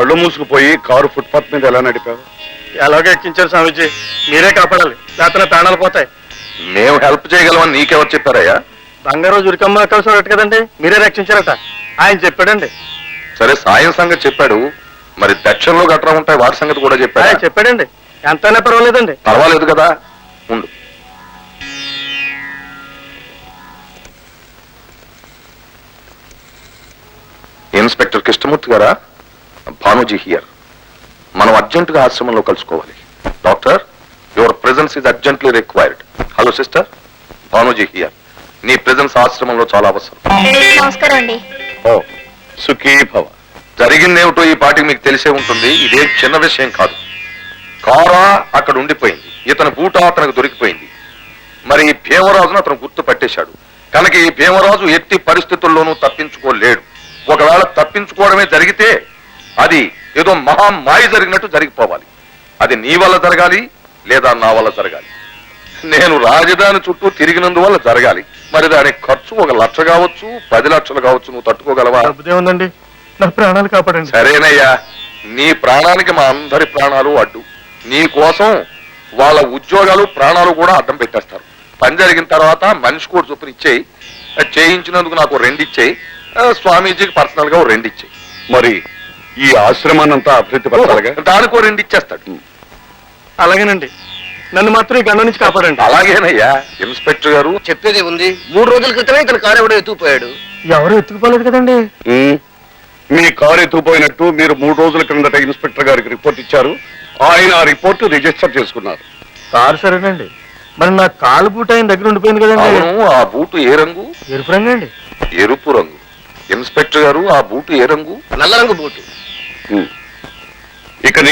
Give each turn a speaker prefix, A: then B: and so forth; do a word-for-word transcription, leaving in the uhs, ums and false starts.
A: కళ్ళు మూసుకుపోయి car footpath మీద ఎలా నడిపావు?
B: ఎలాగో ఎక్కించారు స్వామీజీ, మీరే కాపాడాలి, లేకపోతే ప్రాణాలు పోతాయి.
C: మేము హెల్ప్ చేయగలమని నీకెవరు చెప్పారయ్యా?
B: బంగారు ఉరికమ్మ కలిసి ఉన్నట్టు కదండి, మీరే రక్షించారట. ఆయన చెప్పాడండి.
C: సరే, సాయం సంగతి చెప్పాడు, మరి దక్షిణలో గట్రా ఉంటాయి, వాటి సంగతి కూడా
B: ఆయన
C: చెప్పాడు.
B: చెప్పాడండి, ఎంతైనా పర్వాలేదండి.
C: పర్వాలేదు కదా, ఉండు. ఇన్స్పెక్టర్ కృష్ణమూర్తి గారా? భానుజీ హియర్. మనం అర్జెంటుగా ఆశ్రమంలో కలుసుకోవాలి. Doctor, your presence is urgently required. Hello sister, Bhanuji here. నీ ప్రెజెన్స్ ఆశ్రమంలో చాలా అవసరం.
D: నమస్కారం అండి.
A: ఓ సుఖీ భవ.
C: జరిగిందేమిటో ఈ పాటికి మీకు తెలిసే ఉంటుంది. ఇదేం చిన్న విషయం కాదు. కారా అక్కడ ఉండిపోయింది, ఇతని బూట అతనికి దొరికిపోయింది. మరి ఈ భీమరాజును అతను గుర్తు పట్టేశాడు కనుక ఈ భీమరాజు ఎట్టి పరిస్థితుల్లోనూ తప్పించుకోలేడు. ఒకవేళ తప్పించుకోవడమే జరిగితే అది ఏదో మహామాయ జరిగినట్టు జరిగిపోవాలి. అది నీ వల్ల జరగాలి లేదా నా వల్ల జరగాలి. నేను రాజధాని చుట్టూ తిరిగినందువల్ల జరగాలి. మరి దాని ఖర్చు ఒక లక్ష కావచ్చు, పది లక్షలు కావచ్చు. నువ్వు తట్టుకోగలవా?
B: ఉందండి, నా ప్రాణాలు కాపాడండి.
C: సరేనయ్యా, నీ ప్రాణానికి మా అందరి ప్రాణాలు అడ్డు. నీ కోసం వాళ్ళ ఉద్యోగాలు ప్రాణాలు కూడా అడ్డం పెట్టేస్తారు. పని జరిగిన తర్వాత మనిషి కూడా చొప్పున ఇచ్చేయి. చేయించినందుకు నాకు రెండు ఇచ్చేయి, స్వామీజీకి పర్సనల్ గా రెండు ఇచ్చేయి.
A: మరి ఈ ఆశ్రమాన్నంతా అభివృద్ధి పరచాలిగా?
C: దానికో రెండు ఇచ్చేస్తాడు.
B: అలాగేనండి, నన్ను మాత్రం ఈ గండం నుంచి కాపాడండి.
C: అలాగేనయ్యా. ఇన్స్పెక్టర్ గారు
E: చెప్పేది ఉంది. మూడు రోజుల క్రితమే ఇతను కారు ఎవడో ఎత్తుకుపోయాడు.
B: ఎవరు ఎత్తుకుపోలేదు కదండి.
A: ఉమ్, మీ కారు ఎత్తుకుపోయినట్టు మీరు మూడు రోజుల క్రిందట ఇన్స్పెక్టర్ గారికి రిపోర్ట్ ఇచ్చారు. ఆయన ఆ రిపోర్టు రిజిస్టర్ చేసుకున్నారు.
B: కారు సరేనండి, మరి నా కాలు బూట ఆయన దగ్గర ఉండిపోయింది కదండి.
C: అవును, ఆ బూటు ఏ రంగు?
B: ఎరుపు రంగు అండి.
C: ఎరుపు రంగు. ఇన్స్పెక్టర్ గారు, ఆ బూటు ఏ రంగు?
E: నల్ల రంగు బూటు.
A: ఉమ్, ఇక నీ